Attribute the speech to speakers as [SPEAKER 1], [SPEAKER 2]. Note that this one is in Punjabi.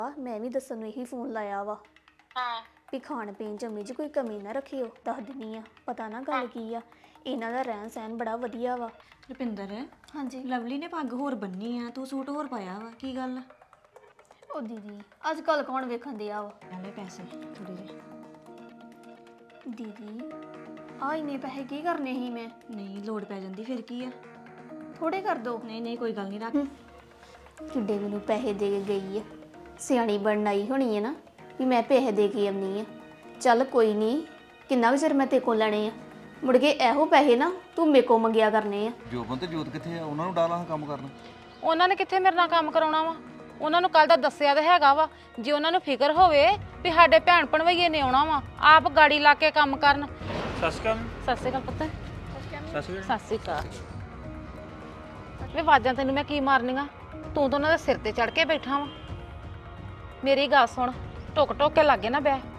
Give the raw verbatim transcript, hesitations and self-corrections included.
[SPEAKER 1] ਮੈਂ ਵੀ ਦੱਸਣ ਨੂੰ ਇਹੀ ਫੋਨ ਲਾਇਆ ਵਾ
[SPEAKER 2] ਹਾਂ
[SPEAKER 1] ਵੀ ਖਾਣ ਪੀਣ ਚ ਅੰਮੀ ਜੀ ਕੋਈ ਕਮੀ ਨਾ ਰੱਖਿਓ ਦੱਸ ਦਿੰਨੀ ਆ ਪਤਾ ਨਾ ਗੱਲ ਕੀ ਆ ਇਹਨਾਂ ਦਾ ਰਹਿਣ ਸਹਿਣ ਬੜਾ ਵਧੀਆ ਵਾ।
[SPEAKER 3] ਰੁਪਿੰਦਰ
[SPEAKER 1] ਹਾਂਜੀ
[SPEAKER 3] ਲਵਲੀ ਨੇ ਪੱਗ ਹੋਰ ਬੰਨੀ ਆ ਤੂੰ ਸੂਟ ਹੋਰ ਪਾਇਆ ਵਾ ਕੀ ਗੱਲ?
[SPEAKER 1] ਉਹ ਦੀਦੀ ਅੱਜ ਕੱਲ ਕੌਣ ਵੇਖਣ ਦਿਆ ਵਾ।
[SPEAKER 3] ਨਾਲੇ ਪੈਸੇ ਥੋੜੇ ਜਿਹੇ
[SPEAKER 1] ਦੀਦੀ ਆ ਇੰਨੇ ਪੈਸੇ ਕੀ ਕਰਨੇ ਸੀ ਮੈਂ?
[SPEAKER 3] ਨਹੀਂ ਲੋੜ ਪੈ ਜਾਂਦੀ ਫਿਰ ਕੀ ਆ?
[SPEAKER 1] ਥੋੜੇ ਕਰ ਦੋ।
[SPEAKER 3] ਨਹੀਂ ਨਹੀਂ ਕੋਈ ਗੱਲ ਨਹੀਂ ਰੱਖ।
[SPEAKER 1] ਕਿੱਡੇ ਮੈਨੂੰ ਪੈਸੇ ਦੇ ਕੇ ਗਈ ਆ ਸਿਆਣੀ ਬਣਨ ਆਈ ਹੋਣੀ ਹੈ ਨਾ ਵੀ ਮੈਂ ਪੈਸੇ ਦੇ ਕੇ ਆਉਣੀ ਆ। ਚੱਲ ਕੋਈ ਨਹੀਂ ਕਿੰਨਾ ਕੁ ਚਿਰ ਮੈਂ ਤੇ ਕੋਲ ਲੈਣੇ ਆ ਮੁੜ ਕੇ ਇਹੋ ਪੈਸੇ ਨਾ ਤੂੰ ਮੇਰੇ ਕੋਲ ਮੰਗਿਆ ਕਰਨੇ ਆ।
[SPEAKER 4] ਜੋਬਨ ਤੇ ਜੋਤ ਕਿੱਥੇ ਆ? ਉਹਨਾਂ ਨੂੰ ਡਾਲਾਂ ਕੰਮ ਕਰਨ।
[SPEAKER 2] ਉਹਨਾਂ ਨੇ ਕਿੱਥੇ ਮੇਰੇ ਨਾਲ ਕੰਮ ਕਰਾਉਣਾ ਵਾ? ਉਹਨਾਂ ਨੂੰ ਕੱਲ ਦਾ ਦੱਸਿਆ ਤੇ ਹੈਗਾ ਵਾ। ਜੇ ਉਹਨਾਂ ਨੂੰ ਫਿਕਰ ਹੋਵੇ ਵੀ ਸਾਡੇ ਭੈਣ ਭਣਵਈਏ ਨੇ ਆਉਣਾ ਵਾ ਆਪ ਗਾੜੀ ਲਾ ਕੇ ਕੰਮ ਕਰਨ।
[SPEAKER 5] ਸਤਿ ਸ਼੍ਰੀ ਅਕਾਲ।
[SPEAKER 2] ਸਤਿ ਸ਼੍ਰੀ ਅਕਾਲ ਪੁੱਤ।
[SPEAKER 5] ਸਤਿ ਸ਼੍ਰੀ ਅਕਾਲ।
[SPEAKER 2] ਸਤਿ ਸ਼੍ਰੀ ਅਕਾਲ। ਵੇ ਆਵਾਜ਼ਾਂ ਤੈਨੂੰ ਮੈਂ ਕੀ ਮਾਰਨੀਆਂ? ਤੂੰ ਤਾਂ ਉਹਨਾਂ ਦੇ ਸਿਰ ਤੇ ਚੜ ਕੇ ਬੈਠਾ ਵਾ। ਮੇਰੀ ਗੱਲ ਸੁਣ ਟੁਕ ਟੁਕ ਕੇ ਲੱਗੇ ਨਾ ਬੈ